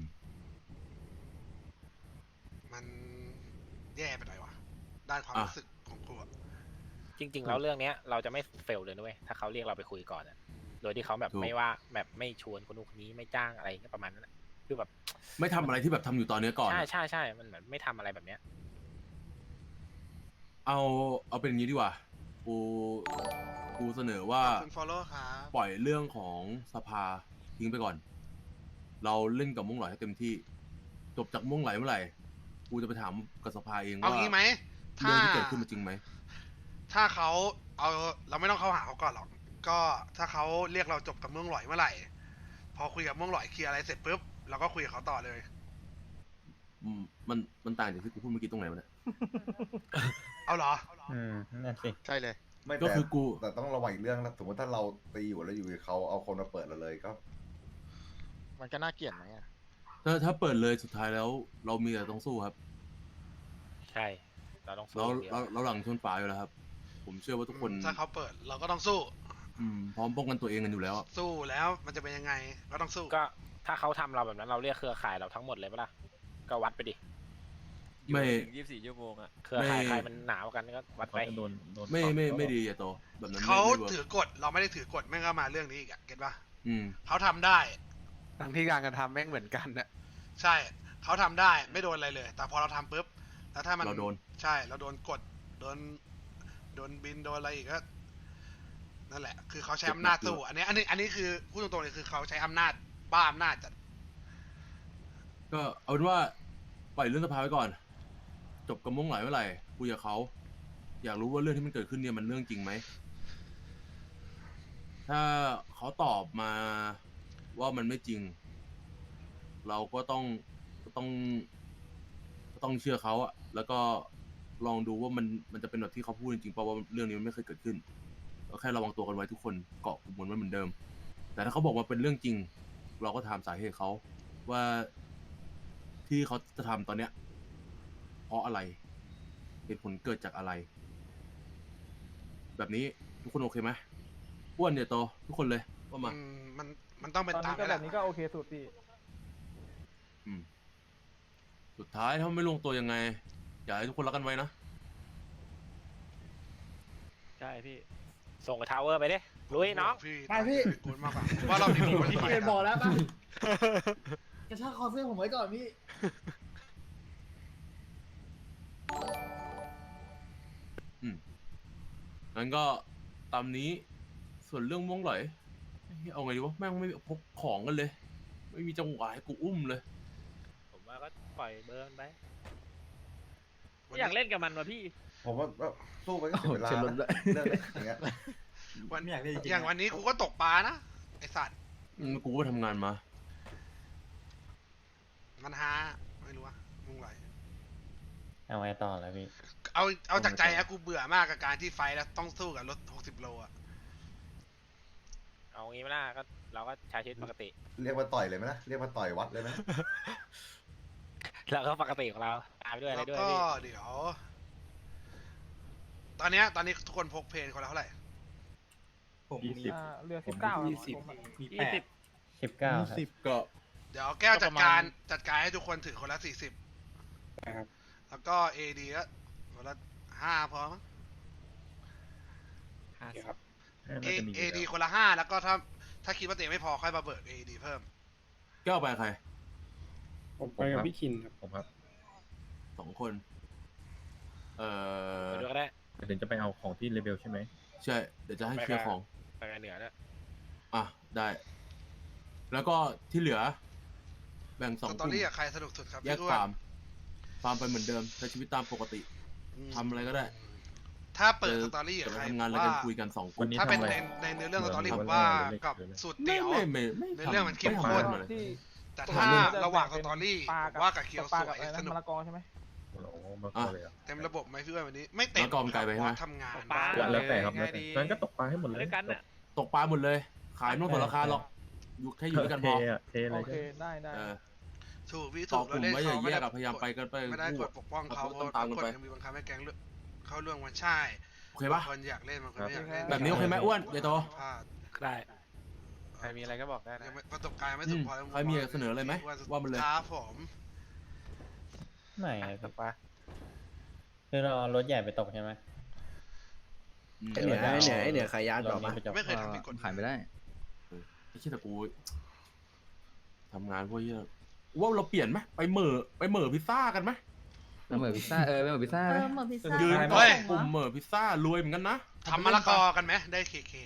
[SPEAKER 6] มันแย่ไปหน่อยวะด้านความ
[SPEAKER 2] อ่ะ
[SPEAKER 6] รู้สึกของกูอะ
[SPEAKER 1] จริง ๆ แล้วเรื่องเนี้ยเราจะไม่เฟลเลยด้วยถ้าเขาเรียกเราไปคุยก่อนอะโดยที่เขาแบบ
[SPEAKER 2] ถูก
[SPEAKER 1] ไม่ว่าแบบไม่ชวนคนนู้นคนนี้ไม่จ้างอะไรเงี้ยประมาณนั้นอะคือแบบ
[SPEAKER 2] ไม่ทำอะไรที่แบบทำอยู่ตอนเนี้ยก่อน
[SPEAKER 1] ใช่ใช่ใช่มันเหมือนไม่ทำอะไรแบบเนี้ย
[SPEAKER 2] เอาเอาเป็นอย่างนี้ดีกว่า กูกูเสนอว่า
[SPEAKER 6] ขอบคุณ follow ครับ
[SPEAKER 2] ปล่อยเรื่องของสภาทิ้งไปก่อน เราเล่นกับม่วงหลอยให้เต็มที่ จบจากม่วงไหลเมื่อไหร่ กูจะไปถามกับสภาเอง
[SPEAKER 6] เอา
[SPEAKER 2] ว่า
[SPEAKER 6] งี้ไหม ถ้า
[SPEAKER 2] เรื่องที่เกิดขึ้นมันจริงไหม
[SPEAKER 6] ถ้าเขาเอาเราไม่ต้องเข้าหาเขาก่อนหรอก ก็ถ้าเขาเรียกเราจบกับเมืองหลอยเมื่อไหร่ พอคุยกับเมืองหลอยเคลียร์อะไรเสร็จปุ๊บเราก็คุยกับเขาต่อเลย
[SPEAKER 2] อืมมันมันต่างจากที่กูพูดเมื่อกี้ตรงไหนวะเนี่ย
[SPEAKER 6] เอาเหรอ
[SPEAKER 5] อืมนั่นสิ
[SPEAKER 11] ใช่เลย
[SPEAKER 8] ไม่
[SPEAKER 2] ก็
[SPEAKER 8] แต่
[SPEAKER 2] คือกู
[SPEAKER 8] แต่ต้องระวังอีกเรื่องนะสมมติถ้าเราตีอยู่แล้วอยู่ดีเขาเอาคนมาเปิดเราเลยก็
[SPEAKER 11] มันก็น่าเกลียดไหมอะ
[SPEAKER 2] ถ้าถ้าเปิดเลยสุดท้ายแล้ว เรามีแต่ต้องสู้ครับ
[SPEAKER 1] ใช่เราต้องสู้
[SPEAKER 2] เรา
[SPEAKER 1] อย่างเดียว
[SPEAKER 2] เราเราหลังชนฝาอยู่แล้วครับ ผมเชื่อว่าทุกคน
[SPEAKER 6] ถ้าเขาเปิดเราก็ต้องสู้
[SPEAKER 2] อืมพร้อมป้องกันตัวเองกันอยู่แล้วอะ
[SPEAKER 6] สู้แล้วมันจะเป็นยังไง ก็ต้องสู้
[SPEAKER 1] ก็ถ้าเขาทำเราแบบนั้นเราเรียกเครือข่ายเราทั้งหมดเลยปะล่ะก็วัดไปดิ
[SPEAKER 2] ไม่
[SPEAKER 10] ยี่สิบสี่ชั่วโมงอะ
[SPEAKER 1] เครือข่ายใครมันหนาวกันก็วัด
[SPEAKER 3] เขา
[SPEAKER 1] ไป
[SPEAKER 3] จะโดนโดน
[SPEAKER 2] ไม่
[SPEAKER 3] ปรับ
[SPEAKER 2] ไม่
[SPEAKER 3] ก็
[SPEAKER 2] ไม่ดีอย่าโตแบบนั้นไม่
[SPEAKER 6] เขา
[SPEAKER 2] ไม่เวิร์ก
[SPEAKER 6] ถือกฎเราไม่ได้ถือกฎแม่งก็มาเรื่องนี้อีกอะเก็ตปะ
[SPEAKER 2] อืม
[SPEAKER 6] เขาทำได้
[SPEAKER 11] ทั้งที่การกระทำแม่งเหมือนกันน่ะ
[SPEAKER 6] ใช่เขาทำได้ไม่โดนอะไรเลย แต่พอเราทำปุ๊บแล้วถ้ามัน
[SPEAKER 2] เราโดน
[SPEAKER 6] ใช่เราโดนกดโดนโดนบินโดนอะไรอีกก็นั่นแหละ คือเขาใช้อำนาจสู้อันนี้อันนี้อันนี้คือพูดตรงๆเลยคือเขาใช้อำนาจบ้าอำนาจจัด
[SPEAKER 2] ก็เอาเป็นว่าปล่อยเรื่องสภาไว้ก่อน จบกระมงหลายเมื่อไหร่คุยกับเขาอยากรู้ว่าเรื่องที่มันเกิดขึ้นเนี่ยมันเรื่องจริงไหมถ้าเขาตอบมาว่ามันไม่จริง เราก็ต้องก็ต้องก็ต้องเชื่อเขาอะแล้วก็ลองดูว่ามันมันจะเป็นแบบที่เขาพูดจริงๆเพราะว่าเรื่องนี้มันไม่เคยเกิดขึ้นก็แค่ระวังตัวกันไว้ทุกคนเกาะกลุ่มกันไว้เหมือนเดิม แต่ถ้าเขาบอกว่าเป็นเรื่องจริง เราก็ถามสาเหตุเขาว่าที่เขาจะทำตอนเนี้ยเพราะอะไรเหตุผลเกิดจากอะไร แบบนี้ทุกคนโอเคไหมอ้วนเดี๋ยวโตทุกคนเลยว่ามา
[SPEAKER 6] อืมมันมันต้องเป็น
[SPEAKER 9] ตอน
[SPEAKER 6] ตาม
[SPEAKER 9] นี้ก็
[SPEAKER 6] นี้แห
[SPEAKER 9] แบ
[SPEAKER 6] ละ
[SPEAKER 9] บนี้ก็โอเคสุดพี่
[SPEAKER 2] อืมสุดท้ายถ้าไม่ลงตัวยังไง อยากให้ทุกคนรักกันไว้นะ
[SPEAKER 4] ใช่พี่
[SPEAKER 1] ส่งไปทาวเวอร์ไปดิลุยน้อง
[SPEAKER 6] พี่
[SPEAKER 14] ไปพี่
[SPEAKER 6] กูมากกว่าว่าเราดีกว่า
[SPEAKER 14] พี่เคนบอกแล้วป่ะกระชากคอเสื้อผมไว้ก่อนพี่
[SPEAKER 2] อืมงั้นก็ตามนี้ส่วนเรื่องม่วงไหลเอาไงดีวะแม่งไม่พกของกันเลย ไม่มีจังหวะให้กูอุ้มเลย
[SPEAKER 1] ผมว่าก็ปล่อยเบอร์มันไป
[SPEAKER 4] ไม่อยากเล่นกับมันว่ะพี่
[SPEAKER 8] ผมว่าก็สู้ไปก็เสียเวลา
[SPEAKER 7] เชิญรถด้วย
[SPEAKER 8] เรื่องเล็กอย่างเงี้ย
[SPEAKER 6] วัน
[SPEAKER 10] ไม่อยากเล่นจริงๆ
[SPEAKER 6] อย่างวันนี้กูก็ตกปลานะไอสัตว์
[SPEAKER 2] อืมกูก็ทำงานมา
[SPEAKER 6] มันหาไม่รู้ว่ามึงไหว
[SPEAKER 5] เอาไงต่อแล้วพี่
[SPEAKER 6] เอาเอาจากใจอะกูเบื่อมากกับการที่ไฟแล้วต้องสู้กับรถหกสิบโลอะ
[SPEAKER 1] เอางี้ไม่ได้ก็เราก็ใช้ชีวิตปกติ
[SPEAKER 8] เรียกว่าต่อยเลยไหมนะเรียกว่าต่อยวัดเลยไหม
[SPEAKER 1] แล้วก็ปกติของเราตามไปด้วยอะไร
[SPEAKER 6] แล้ว
[SPEAKER 1] ด้วย
[SPEAKER 6] ก็
[SPEAKER 1] พี่
[SPEAKER 6] เดี๋ยว ตอนเนี้ยตอนนี้ทุกคนพกเพนคนละเท่าไหร่
[SPEAKER 10] ผม
[SPEAKER 3] ยี่สิบ
[SPEAKER 9] อ่าเรือสิบเก้า
[SPEAKER 10] ยี่สิบมี
[SPEAKER 4] ยี่
[SPEAKER 10] แป
[SPEAKER 4] สิ
[SPEAKER 10] ด
[SPEAKER 4] บ
[SPEAKER 5] สิบเก้าครับ
[SPEAKER 13] สิบ
[SPEAKER 2] ก็
[SPEAKER 6] เดี๋ยวแก้วจัดการจัดการให้ทุกคนถือคนละสี่สิบ
[SPEAKER 10] ครับ
[SPEAKER 6] แล้วก็เอดีก็คนละห้าพอมั้ง
[SPEAKER 10] ห้าสิบ
[SPEAKER 6] เอ
[SPEAKER 3] น่าจะมีอยู่
[SPEAKER 6] เอดี
[SPEAKER 3] แล้ว
[SPEAKER 6] คนละห้าแล้วก็ถ้าถ้าคิดว่าตัวเองไม่พอค่อยมาเบิกเอดีเพิ่ม
[SPEAKER 2] แก้วไปใคร
[SPEAKER 3] ผมไปกับพี่คินครับผมครับ
[SPEAKER 2] สองคน เอ่อ
[SPEAKER 1] ไปด้วยก็ได้
[SPEAKER 3] เดี๋ยวจะไปเอาของที่เลเวลใช่ไหม
[SPEAKER 2] ใช่ เดี๋ยวจะให้เคลียร์ของ
[SPEAKER 1] ไปกันเหนือด้วย
[SPEAKER 2] อ่ะ ได้ แล้วก็ที่เหลือ แบ่งสอง
[SPEAKER 6] ส
[SPEAKER 2] ก
[SPEAKER 6] ตอ
[SPEAKER 2] ลุ่ม
[SPEAKER 6] รี่กับใครสนุกสุดครับ
[SPEAKER 2] แยก
[SPEAKER 6] พี่อ้ว
[SPEAKER 2] ฟาร์ม ฟาร์มไปเหมือนเดิมใช้ชีวิตตามปกติ
[SPEAKER 6] อืม
[SPEAKER 2] ทำอะไรก็ได้
[SPEAKER 6] ถ้าเปิดสตอรี่
[SPEAKER 2] จะ
[SPEAKER 6] กับ
[SPEAKER 2] ไป
[SPEAKER 6] ใคร
[SPEAKER 2] ทำงานอะไร
[SPEAKER 6] ว่า
[SPEAKER 2] กันคุยกันสองค
[SPEAKER 3] วัน นนี้
[SPEAKER 6] ถ้าเป็น
[SPEAKER 3] ทำอะไร
[SPEAKER 6] ในในเนื้อเรื่องสตอรี่
[SPEAKER 3] เหมื
[SPEAKER 6] ผ
[SPEAKER 3] อน
[SPEAKER 6] มว่า
[SPEAKER 3] เหมือน
[SPEAKER 6] กับ
[SPEAKER 3] เหมือน
[SPEAKER 6] สูตร
[SPEAKER 2] ไม่
[SPEAKER 6] เตี๋ยว
[SPEAKER 2] ไม่ไม่ไม่
[SPEAKER 6] ในเรื่องมันเข้ม
[SPEAKER 2] ไ
[SPEAKER 6] ข้น
[SPEAKER 2] ทำอะไร
[SPEAKER 9] ที่
[SPEAKER 6] แต่ถ้าระหว่างสตอรี่
[SPEAKER 9] ปลา
[SPEAKER 6] ผม
[SPEAKER 9] กับ
[SPEAKER 6] ว่ากับเคียว
[SPEAKER 9] ปลา
[SPEAKER 6] ส
[SPEAKER 9] กับ
[SPEAKER 6] วย
[SPEAKER 9] อะไรนะ
[SPEAKER 6] สนุก
[SPEAKER 9] มะละกอใช่ไหม
[SPEAKER 3] โอ้โหมาเข้าเลยอ่ะ
[SPEAKER 6] เต็มระบบไหมพี่อ้วนวันนี้ ไม่เต็ม
[SPEAKER 2] แล้วกอมไก่ไปใช่ไหม
[SPEAKER 6] เพราะทำงาน
[SPEAKER 4] ปลา
[SPEAKER 3] แล้วแต่ครับแล้ว
[SPEAKER 11] ง่าย
[SPEAKER 3] แต่
[SPEAKER 11] ดี
[SPEAKER 3] งั้นก็ตกปลาให้หมดเลย
[SPEAKER 4] ด้วยกันน่ะ
[SPEAKER 2] ตกปลาหมดเลย ขายไม่ต้องสนราคาหรอก อยู่แค่อยู่ด้วยกันพ
[SPEAKER 3] เท
[SPEAKER 2] อ
[SPEAKER 3] อะเทเล
[SPEAKER 9] โอย เคได้ได้
[SPEAKER 2] เออ
[SPEAKER 6] ถูกพี่
[SPEAKER 2] ต่
[SPEAKER 6] ถู
[SPEAKER 2] อก กลุ่ม
[SPEAKER 6] เล่น
[SPEAKER 2] ไว้อย่า
[SPEAKER 6] เขา
[SPEAKER 2] แย
[SPEAKER 6] ไม่
[SPEAKER 2] ก
[SPEAKER 6] ได้
[SPEAKER 2] อะพยายามไปกันไป
[SPEAKER 6] ไม่ได้
[SPEAKER 2] คู่
[SPEAKER 6] กดปกป้องเขา
[SPEAKER 2] เรา
[SPEAKER 6] เพ
[SPEAKER 2] ก็ต้
[SPEAKER 6] ราะ
[SPEAKER 2] องตาม
[SPEAKER 6] ก
[SPEAKER 2] กัน
[SPEAKER 6] ฎ
[SPEAKER 2] ไป
[SPEAKER 6] ยังมีบังคับให้แก๊งเลือกเข้าเรื่องมันใช่
[SPEAKER 2] โอเคปะ
[SPEAKER 6] บางคนอยากเล่นบางคนไม่อยากเล่น
[SPEAKER 2] แบบนี้โอเคไหมอ้วนเดี๋ยวโต
[SPEAKER 6] พลาด
[SPEAKER 1] ได้
[SPEAKER 11] ใครมีอะไรก็บอกได้นะ
[SPEAKER 6] ยังไม่ประสบการณ์ไม่ถึงพอ
[SPEAKER 2] ใครมีเสนออะไรไหมว่ามันเลย
[SPEAKER 6] ครับผม
[SPEAKER 5] ไม่ครับ
[SPEAKER 11] ตกปลา
[SPEAKER 5] คือเราเอารถใหญ่ไปตกใช่ไหม
[SPEAKER 2] อืม
[SPEAKER 7] ไอเหนือไอเหนือไอเหนือขายยา
[SPEAKER 5] ร
[SPEAKER 7] ต่อ
[SPEAKER 5] ถ
[SPEAKER 7] ปะ
[SPEAKER 5] นี้ไปจบ
[SPEAKER 6] ไม่เคยทำผิดกฎ
[SPEAKER 7] ขายไม่ได้
[SPEAKER 2] ไม่ใช่แต่กูทำงานพวกเหี้ยว่าเราเปลี่ยนไหมไปเหม่อไปเหม่อพิซซ่ากันไหม
[SPEAKER 7] ไม่เหมือนพิซซ่าเออไม่เหมือนพิซซ่า
[SPEAKER 12] เอ
[SPEAKER 7] ไหม
[SPEAKER 12] อเหมือนพิซซ่า
[SPEAKER 2] ยืน
[SPEAKER 12] ส่ง
[SPEAKER 2] เฮ้ย
[SPEAKER 12] วะ
[SPEAKER 2] กลุ่มเหม่อพิซซ่ารวยเหมือนกันนะ
[SPEAKER 6] ทำมะละกอกันไหมได้เคเค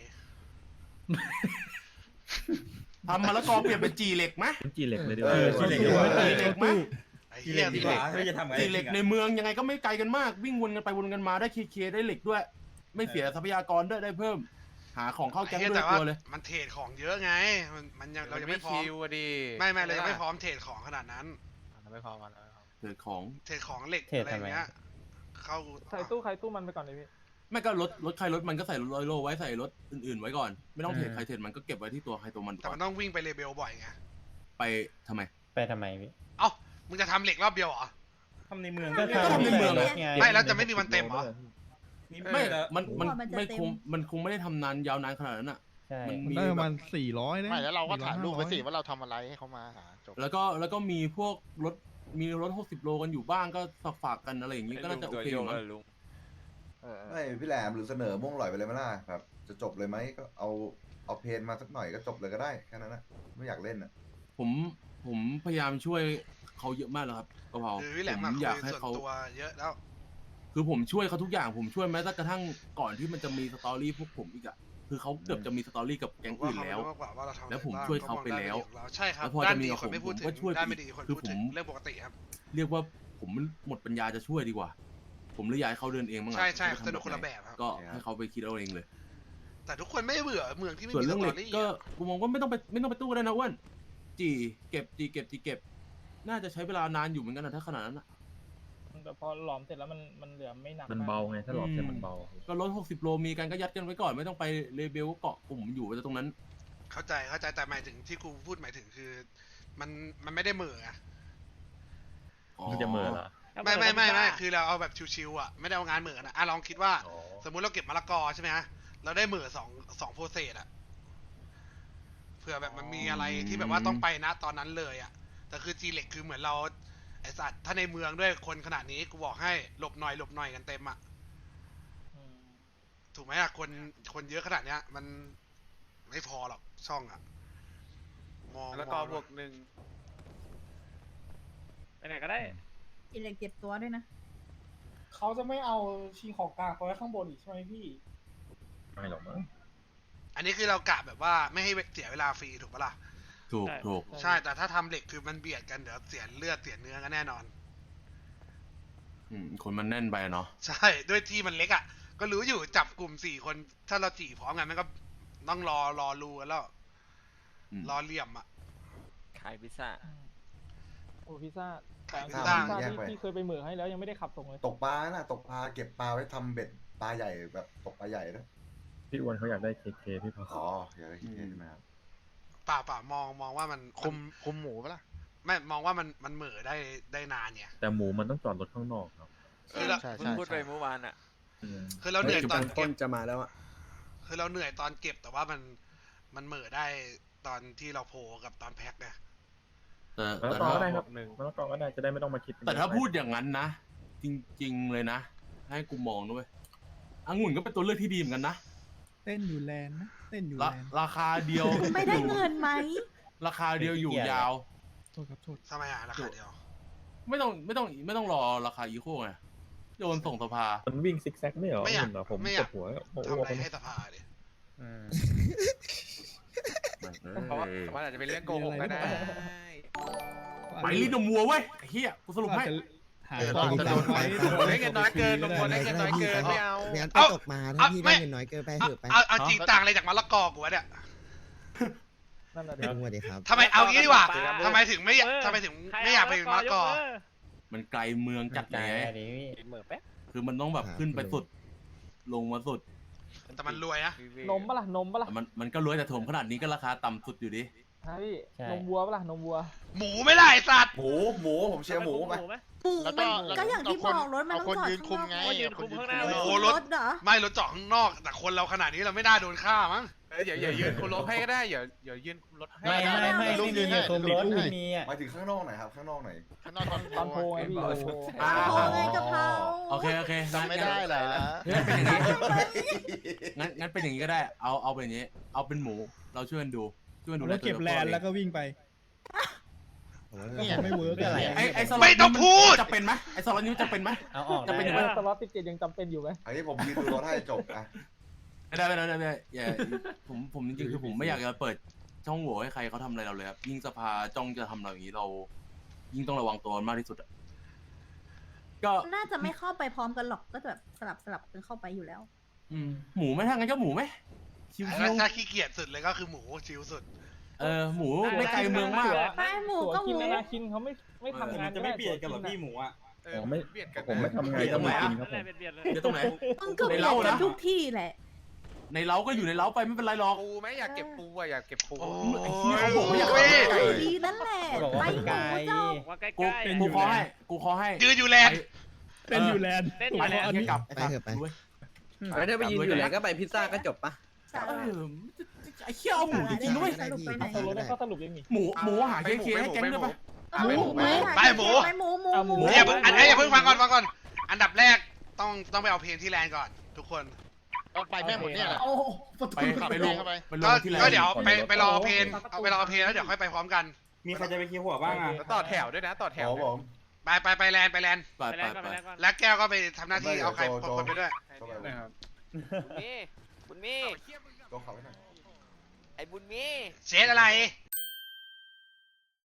[SPEAKER 2] ทำมะละกอเปลี่ยนเป็นจีเหล็กไหม
[SPEAKER 3] เป็นจีเหล็กเลยดีก
[SPEAKER 10] เอ
[SPEAKER 3] ว่า
[SPEAKER 10] อจีเหล็กดีกว่า
[SPEAKER 2] จีเหล็กไหม
[SPEAKER 6] ไอ้
[SPEAKER 10] ที่
[SPEAKER 6] เหี้
[SPEAKER 10] เล่
[SPEAKER 6] ย
[SPEAKER 10] นดี
[SPEAKER 6] ดี
[SPEAKER 10] กว่าไม่จะทำไง
[SPEAKER 2] จีเหล็กในเมืองยังไงก็ไม่ไกลกันมาก วิ่งวนกันไปวนกันมาได้เคเคได้เหล็กด้วย ไม่เสียทรัพยากรด้วยได้เพิ่ม หาของเข้าแก๊ง
[SPEAKER 6] ไอ้
[SPEAKER 2] ด้
[SPEAKER 6] เหี้
[SPEAKER 2] วย
[SPEAKER 6] แต่ว่า
[SPEAKER 2] ตัวเลย
[SPEAKER 6] มันเทรดของเยอะไง มันมันยังเรายังไม่พร้อม
[SPEAKER 11] คิวอะดิ
[SPEAKER 6] ไม่ไม่เรายังไม่พร้อมเทรดของขนาดนั้น
[SPEAKER 11] เราไม่พร้อมกันเราไม่พร้อม
[SPEAKER 2] เกิดของ
[SPEAKER 6] เทรดของเหล็ก
[SPEAKER 5] เทรด
[SPEAKER 6] อะไรอย่างเงี้ย เข้า
[SPEAKER 9] ใส่ตู้ใครตู้มันไปก่อนเลยพี่
[SPEAKER 2] ไม่ก็รถรถใครรถมันก็ใส่รถร้อยโลไว้ใส่รถอื่นๆไว้ก่อน ไม่ต้องเทรดใครเทรดมันก็เก็บไว้ที่ตัวใครตัวมัน
[SPEAKER 6] แต่
[SPEAKER 2] ก่อ
[SPEAKER 6] มัน นต้องวิ่งไปเลเบลบ่อยไง
[SPEAKER 2] ไปทำไม
[SPEAKER 5] ไปทำไมพี่
[SPEAKER 6] เอ้า มึงจะทำเหล็กรอบเดียวเหรอ
[SPEAKER 10] ทำในเมือง
[SPEAKER 5] ก็
[SPEAKER 2] ก็ทำในเมือง
[SPEAKER 5] ร
[SPEAKER 2] อะ
[SPEAKER 5] ถไง
[SPEAKER 6] ไม่แล้วจะไม่มีวันเต็มเหรอ
[SPEAKER 2] ไม่ มัน มัน
[SPEAKER 12] กว่ามันจะ
[SPEAKER 2] ไม่
[SPEAKER 12] เต็ม
[SPEAKER 2] คง มันคงไม่ได้ทำนานยาวนานขนาดนั้นอ่ะ
[SPEAKER 5] ใช่
[SPEAKER 2] มัน
[SPEAKER 13] มัน
[SPEAKER 2] มี
[SPEAKER 13] ได้ประ
[SPEAKER 2] แบ
[SPEAKER 13] มาณ
[SPEAKER 2] บ
[SPEAKER 13] สี่ร้อยนะ
[SPEAKER 14] ไม่แล้วเราก็ถ่ายรูปไว้สิ
[SPEAKER 13] สี่อย
[SPEAKER 14] ว่าเราทำอะไรให้เขามาหาจบ
[SPEAKER 2] แล้วก็แล้วก็มีพวกรถมีรถหกสิบโลกันอยู่บ้างก็ฝากฝากๆกันอะไรอย่างงี้ก็น่าจะโอเคอยู่มั้ง
[SPEAKER 8] ไม่พี่แหลมหรือเสนอม่วงลอยไปเลยไหมล่ะแบบจะจบเลยไหมก็เอาเอาเพนมาสักหน่อยก็จบเลยก็ได้แค่นั้นนะไม่อยากเล่นอ่ะ
[SPEAKER 2] ผมผมพยายามช่วยเขาเยอะมากแล้วครับกะเพรา
[SPEAKER 6] คือพี่แหลม
[SPEAKER 2] ผ
[SPEAKER 6] มาม คุ
[SPEAKER 2] อย ยากให้
[SPEAKER 6] ส่วน
[SPEAKER 2] เขา
[SPEAKER 6] ตัวเยอะแล้ว
[SPEAKER 2] คือผมช่วยเขาทุกอย่างผมช่วยแม้แต่กระทั่งก่อนที่มันจะมีสตอรี่พวกผมอีกอะคือเขาเกือบจะมีสตอรี่กับแก๊งอื่นแล้ว
[SPEAKER 6] ผมว่าเขารู้มากกว่าว่าเราทำอะไร
[SPEAKER 2] แล้วผม
[SPEAKER 6] บ้าง
[SPEAKER 2] ช่วยเขาไปแล้ว
[SPEAKER 6] เขามองด้านดีของเราใช่ครับ
[SPEAKER 2] แล้วพอ
[SPEAKER 6] ด้า
[SPEAKER 2] จะ
[SPEAKER 6] น
[SPEAKER 2] มี
[SPEAKER 6] ดี
[SPEAKER 2] กับ
[SPEAKER 6] ค
[SPEAKER 2] ผ
[SPEAKER 6] น
[SPEAKER 2] ม
[SPEAKER 6] ไม่
[SPEAKER 2] ผ
[SPEAKER 6] พูด
[SPEAKER 2] ม
[SPEAKER 6] ถึ
[SPEAKER 2] ก็
[SPEAKER 6] ง
[SPEAKER 2] ช่วย
[SPEAKER 6] ด้าน
[SPEAKER 2] ไป
[SPEAKER 6] ไม่
[SPEAKER 2] อี
[SPEAKER 6] ดี
[SPEAKER 2] ก
[SPEAKER 6] คน
[SPEAKER 2] คือ
[SPEAKER 6] พูด
[SPEAKER 2] ผ
[SPEAKER 6] ถึ
[SPEAKER 2] ม
[SPEAKER 6] งเรื่องปกติครับ
[SPEAKER 2] เรียกว่าผมหมดปัญญาจะช่วยดีกว่า ผมเลยอยากให้เขาเดินเองบ้างอะ
[SPEAKER 6] ใช่ใช่
[SPEAKER 2] จะ
[SPEAKER 6] สนุก
[SPEAKER 2] ทำ
[SPEAKER 6] คนละแบบครับ
[SPEAKER 2] ก็ให้เขาไปคิดเอาเองเลย
[SPEAKER 6] แต่ทุกคนไม่เบื่อเมืองที่ไม่
[SPEAKER 2] ส่วน
[SPEAKER 6] มีส
[SPEAKER 2] เรื่อง
[SPEAKER 6] ต
[SPEAKER 2] เห
[SPEAKER 6] อ
[SPEAKER 2] ล็ก
[SPEAKER 6] รี่
[SPEAKER 2] ก็
[SPEAKER 6] อะ
[SPEAKER 2] กูมองว่าไม่ต้องไปไม่ต้องไปตู้ก็ได้นะอ้วนจีเก็บจีเก็บจีเก็บ น่าจะใช้เวลานานอยู่เหมือนกันนะถ้าขนาดนั้นอะ
[SPEAKER 9] แต่พอหลอมเสร็จแล้วมันมันเหลือไม่หนัก
[SPEAKER 3] มัน
[SPEAKER 9] ก
[SPEAKER 3] เบาไงถ้าหลอกเสร็จมันเบา
[SPEAKER 2] ก็รถหกสิบโลมีกันก็ยัดกันไว้ก่อนไม่ต้องไปเลเบลก็เกาะกลุ่มอยู่ตรงนั้น
[SPEAKER 6] เข้าใจเข้าใจแต่หมายถึงที่กูพูดหมายถึงคือ มันมันไม่ได้เหม่ออะ
[SPEAKER 3] มันจะเหมือเหรอ
[SPEAKER 6] ไม่ไม่ไม่ไม่คือเราเอาแบบชิวๆอ่ะไม่ได้เอางานเหม่อนะอ่ะลองคิดว่า สมมุติเราเก็บมะละกอใช่ไหมฮะเราได้เหม่อสองสองโปรเซสอ่ะเผื่อแบบมันมีอะไรที่แบบว่าต้องไปนะตอนนั้นเลยอ่ะแต่คือจีเล็กคือเหมือนเราไอสัตว์ถ้าในเมืองด้วยคนขนาดนี้กูบอกให้หลบหน่อยหลบหน่อยกันเต็มอ่ะ
[SPEAKER 9] อืม
[SPEAKER 6] ถูกไหมอ่ะคนคนเยอะขนาดเนี้ย มันไม่พอหรอกช่องอ่ะมอง
[SPEAKER 11] แล้วก็
[SPEAKER 6] มอง
[SPEAKER 11] บวกหนึ่ง
[SPEAKER 4] ไปไหนก็ได้
[SPEAKER 12] อีเล็กเก็บตัวด้วยนะ
[SPEAKER 14] เขาจะไม่เอาชิงของกลางไปไว้ข้างบนอีกใช่ไหมพี่
[SPEAKER 3] ไม่หรอกมั้ง
[SPEAKER 6] อันนี้คือเรากะแบบว่าไม่ให้เสียเวลาฟรีถูกปะล่ะ
[SPEAKER 2] ถูก
[SPEAKER 4] ใช่
[SPEAKER 2] ถูก
[SPEAKER 6] ใช่แต่ถ้าทำเหล็กคือมันเบียดกันเดี๋ยวเสียเลือดเสียเนื้อกันแน่นอน
[SPEAKER 2] อืมคนมันแน่นไปอะเนาะ
[SPEAKER 6] ใช่ ด้วยที่มันเล็กอ่ะ ก็รู้อยู่จับกลุ่มสี่คน ถ้าเราจีพร้อมกันมันก็ต้องรอรอรูกันแล้ว
[SPEAKER 2] อืม
[SPEAKER 6] รอเหลี่ยมอ่ะ
[SPEAKER 11] ขายพิซซ่า
[SPEAKER 9] โอ้พิซซ่า
[SPEAKER 6] ขายพิ
[SPEAKER 9] พิ
[SPEAKER 6] ซ
[SPEAKER 9] ซ
[SPEAKER 6] ซ่า
[SPEAKER 9] ซ่า
[SPEAKER 8] แยก
[SPEAKER 9] ที่
[SPEAKER 8] ไป
[SPEAKER 9] ที่เคยไปเหมือให้แล้วยังไม่ได้ขับส่งเลย
[SPEAKER 8] ตกปลาน่ะตกปลาเก็บปลาไว้ทำเบ็ดปลาใหญ่แบบตกปลาใหญ่นะ
[SPEAKER 3] พี่อ้วนเขาอยากได้เคเคพี่พอ
[SPEAKER 8] อ๋ออยากได้คิดใช่ไหมครับ
[SPEAKER 6] ป่าป่ามองมองว่ามัน
[SPEAKER 11] คุมคุมหมูปะล่ะ
[SPEAKER 6] ไม่มองว่ามันมันเหม่อได้ได้นานเนี่ย
[SPEAKER 3] แต่หมูมันต้องจอดรถข้างนอกครับ
[SPEAKER 6] คือเรา
[SPEAKER 11] ใช่ใช่พูดไปเมื่อวานอ่ะ
[SPEAKER 3] อืม
[SPEAKER 6] คือเราเหนื่อยตอน
[SPEAKER 7] ต้
[SPEAKER 6] เก็
[SPEAKER 7] น
[SPEAKER 6] บ
[SPEAKER 7] จะมาแล้วอ่ะ
[SPEAKER 6] คือเราเหนื่อยตอนเก็บแต่ว่ามันมันเหม่อได้ตอนที่เราโผล่กับตอนแพ็คเนี่ย
[SPEAKER 2] แต่
[SPEAKER 3] มะละ
[SPEAKER 2] แต่
[SPEAKER 3] กอ
[SPEAKER 2] ถ้า
[SPEAKER 3] ก็ได้ครับ
[SPEAKER 11] บวกหนึ่ง
[SPEAKER 3] มะละกอก็ได้จะได้ไม่ต้องมาคิด
[SPEAKER 2] แต่ถ้าพูดอย่างนั้นนะ จริง ๆ เลยนะ ให้กูมองด้วยองุ่นก็เป็นตัวเลือกที่ดีเหมือนกันนะ
[SPEAKER 13] เต้นอยู่แลนด์นะเต้นอยู่
[SPEAKER 2] รา
[SPEAKER 13] แลนด์
[SPEAKER 2] ราคาเดียว
[SPEAKER 12] ไม่ได้เงินไหม
[SPEAKER 2] ราคาเดียวอยู่ยาว
[SPEAKER 13] โทษครับโทษ
[SPEAKER 6] ทำไมอ่ะราคาเดียว
[SPEAKER 2] ไม่ต้องไม่ต้องไม่ต้องรอราคาอีโคไงโยนส่งสภา
[SPEAKER 3] มันวิ่งซิกแซกไม่เหรอ
[SPEAKER 6] ไม่อยาก
[SPEAKER 3] เห็นเหรอผม
[SPEAKER 6] ไม่อ
[SPEAKER 3] ป
[SPEAKER 6] ยาว ก
[SPEAKER 3] ดหัวโอ้โห
[SPEAKER 6] ทำอะไรให้สภาดิ
[SPEAKER 11] เพราะว่ามันอาจจะเป็นเรื่องโกหกก็ได้
[SPEAKER 2] ไปลิ้นนมวัวเว้ยไอ้เฮียกูสรุปให้
[SPEAKER 13] หา
[SPEAKER 10] เออ
[SPEAKER 13] ความ
[SPEAKER 10] จะโดน
[SPEAKER 13] ไว้
[SPEAKER 11] ลุงพลได้เงินน้อยเกินลุงพลได้เงินน้อยเกินไม่เอา
[SPEAKER 6] ไม่งั้นไปตกมาถ้าพี่ได้เงินน้อยเกินไปเถอะไปเอาเอาจริงต่างอะไรจากมะละกอกูวะเนี่ย
[SPEAKER 9] นั่นแหละเดี๋ยว
[SPEAKER 6] ทำไมเอางี้ดีกว่า
[SPEAKER 4] ครับ
[SPEAKER 6] ทำไมถึงไม่อยากทำไมถึงไม่อยากไปมะละกอ
[SPEAKER 2] มันไกลเมืองจัด
[SPEAKER 5] ใจ
[SPEAKER 2] ไง
[SPEAKER 5] อะดิพี่
[SPEAKER 1] เหม่อแป๊บ
[SPEAKER 2] คือมันต้องแบบขึ้นไปสุด ลงมาสุด
[SPEAKER 6] แต่มันรวยนะ
[SPEAKER 9] นมปะล่ะนมปะล่ะ
[SPEAKER 2] มันมันก็รวยแต่ถมขนาดนี้ก็ราคาต่ำสุดอยู่ดิ
[SPEAKER 9] ฮะพี่
[SPEAKER 5] ใช่
[SPEAKER 9] นมวัวปะล่ะนมวัว
[SPEAKER 6] หมูไม่ได้ไอ้สัตว์
[SPEAKER 8] หมูหมูผมเชียร์หมูไป
[SPEAKER 4] ไหม
[SPEAKER 12] หมู
[SPEAKER 10] แล้วก็
[SPEAKER 12] มัน
[SPEAKER 10] แล้ว
[SPEAKER 12] ก็อย่างที่
[SPEAKER 10] เอาคน
[SPEAKER 12] บอกรถมันต้อง
[SPEAKER 10] เอาคน
[SPEAKER 12] จอด
[SPEAKER 10] ยืนคุมไง
[SPEAKER 12] ข้างนอก
[SPEAKER 4] ยืนคุมข้างหน้า
[SPEAKER 6] โอ้
[SPEAKER 12] ไม่
[SPEAKER 6] โห
[SPEAKER 12] ใช่
[SPEAKER 6] รถ
[SPEAKER 12] รถเหรอ
[SPEAKER 6] ไม่รถจอดข้างนอก แต่คนเราขนาดนี้เราไม่น่าโดนฆ่ามั้ง
[SPEAKER 11] เอออย่าอย่ายืนคุมรถให้ก็ได้อย่าอย่ายืนคุมรถให้
[SPEAKER 5] ไม่ไม่ไม่
[SPEAKER 10] ลุ
[SPEAKER 5] ไม่
[SPEAKER 10] ง
[SPEAKER 5] มี
[SPEAKER 10] ยืนให้
[SPEAKER 5] คุมรถ
[SPEAKER 10] ลุงยืนให้
[SPEAKER 5] ไม่มีอ่ะ
[SPEAKER 8] หมายถึงข้างนอกไหนครับ ข้างนอกไหน
[SPEAKER 10] ข้างนอกตอน
[SPEAKER 9] ตอนโพไงพี่โอ้โห
[SPEAKER 2] อ่า
[SPEAKER 12] โอ้ไงกะเพรา
[SPEAKER 2] โอเคโอเค
[SPEAKER 10] จำไม่ได้เหรอ
[SPEAKER 2] งั้นเป็นอย่างนี้งั้นงั้นเป็นอย่างนี้ก็ได้ เอาเอาเป็นอย่างนี้ เอาเป็นหมู เราช่วยกันดู ช่วยกันดู
[SPEAKER 13] แล้วเก็บแลนด์แล้วก็วิ่งไปก็คงไม่เวิร์กอะไร
[SPEAKER 2] ไอ้ไอ้สล็อต
[SPEAKER 6] ไม่ต้องพูด
[SPEAKER 2] จะเป็นไหมไอ้สล็อตนี้จะเป็นไหม
[SPEAKER 5] เอาออก
[SPEAKER 2] จะ
[SPEAKER 5] ได้
[SPEAKER 2] เป็นยัง
[SPEAKER 9] เอ
[SPEAKER 2] ไง
[SPEAKER 9] อสล็อตติดเจ็ดยังจำเป็นอยู่ไหม
[SPEAKER 8] อันนี้ผมยืนดูรถให้จบอ่ะ
[SPEAKER 2] ไม่ได้ไม่ได้ไม่ได้ไม่ได้อย่าผมผมจริงๆคือผมไม่อยากจะเปิดช่องโหว่ให้ใครเขาทำอะไรเราเลยครับยิ่งสภาจ้องจะทำเราอย่างนี้เรา ยิ่งต้องระวังตัวมากที่สุดอะก็
[SPEAKER 12] น่าจะไม่เข้าไปพร้อมกันหรอกก็แบบสลับสลับกันเข้าไปอยู่แล้ว
[SPEAKER 2] อืมหมูไหม่ทางนั้นก็หมูไหมชิว
[SPEAKER 6] ถ้าขี้เกียจสุดเลยก็คือหมูชิวสุด
[SPEAKER 2] ๆเออหมูไม่ไกลเมืองมาก
[SPEAKER 12] ไม่หมูก็หมู
[SPEAKER 9] กินนะนะกินเขาไม่ไม่ทำงาน
[SPEAKER 10] จะไม่เบียดกันหรอพี่หมูอ่ะ
[SPEAKER 11] เอ
[SPEAKER 3] อ๋
[SPEAKER 11] อ
[SPEAKER 3] อไม่
[SPEAKER 11] เบียดกัน
[SPEAKER 3] ผมไม่ทำไงก็ไม่กินครับผม
[SPEAKER 4] เบียดเบียดเลย
[SPEAKER 2] เดี๋ยวตรงไหน
[SPEAKER 12] มึงก็เบียด
[SPEAKER 2] ในเล้า
[SPEAKER 12] กัน
[SPEAKER 2] นะ
[SPEAKER 12] ทุกที่แหละ
[SPEAKER 2] ในเล้าก็อยู่ในเล้าไปไม่เป็นไรหรอก
[SPEAKER 11] ปูไหมอยากเก็บปูอ่ะอยากเก็บปู
[SPEAKER 6] โอ้
[SPEAKER 2] ไอ้เหี้ยเขาบอกว่าอยาก
[SPEAKER 6] โอ้ย
[SPEAKER 2] ไก่
[SPEAKER 12] ดีนั่นแหละ
[SPEAKER 5] บอก
[SPEAKER 12] ไป
[SPEAKER 5] ว่า
[SPEAKER 12] ห
[SPEAKER 5] ไกล
[SPEAKER 12] มูเจ้า
[SPEAKER 4] ว่าใกล้
[SPEAKER 2] กู
[SPEAKER 4] ๆ
[SPEAKER 2] กูขอให้กูขอให้
[SPEAKER 6] ยืนอยู่แลนด์
[SPEAKER 13] เต้นอยู่แลนด์
[SPEAKER 4] เต้น
[SPEAKER 2] ไปแล้ว
[SPEAKER 13] อันนี้
[SPEAKER 2] กลับไปเถอะไป
[SPEAKER 7] แล้วถ้าไปยืนอยู่ไหนก็ไปพิซซ่าก็จบปะ
[SPEAKER 2] เออไอ้เหี้ยเอาหมูจริงๆด้วย
[SPEAKER 12] สรุปไปไหน
[SPEAKER 9] สรุปแล้วก็สรุปยังไง
[SPEAKER 2] หมูหมูหาเคเคให้แก๊งด้วยปะ
[SPEAKER 11] ไ
[SPEAKER 12] หมูหมู
[SPEAKER 6] ไปหมู
[SPEAKER 12] ไปหมูหมูหมู
[SPEAKER 6] อย่าเพิ่งอันนี้อย่าเพิ่งฟังก่อนฟังก่อน อันดับแรกต้องต้องไปเอาเพลงที่แลนด์ก่อนทุกคน
[SPEAKER 14] ไปแม่หมดเนี่ย
[SPEAKER 10] โอ้ประ
[SPEAKER 2] ไป
[SPEAKER 10] ตู
[SPEAKER 2] ไปลงไปล
[SPEAKER 6] ก็
[SPEAKER 2] งที่แลน
[SPEAKER 6] ก็
[SPEAKER 2] ด์
[SPEAKER 6] เดี๋ยวไปไปรอเพลงเอาไปรอเพลงแล้วเดี๋ยวค่อยไปพร้อมกัน
[SPEAKER 10] มีใครจะไปคิวหัวบ้างอ่ะ
[SPEAKER 11] แล้วต่อแถวด้วยนะ ต่อแถ
[SPEAKER 8] โอ้
[SPEAKER 11] ว
[SPEAKER 8] ผม
[SPEAKER 6] ไปไปไปแลนด์ไปแลนด์
[SPEAKER 2] ไป
[SPEAKER 4] ไป
[SPEAKER 2] ไป
[SPEAKER 4] แลนด์ก่อน
[SPEAKER 2] ไป
[SPEAKER 4] ไปแลนด์ก่อน
[SPEAKER 6] แล้วแก้วก็ไปทำหน้าที่เอาใคร
[SPEAKER 8] โจโจ
[SPEAKER 6] คนไปด้วย
[SPEAKER 8] ก็ไป
[SPEAKER 11] นะครับ
[SPEAKER 1] บุญมีบุญมี
[SPEAKER 8] โจเขาไว้หน่อย
[SPEAKER 1] ไอ้บุญมี
[SPEAKER 6] เชดอะไร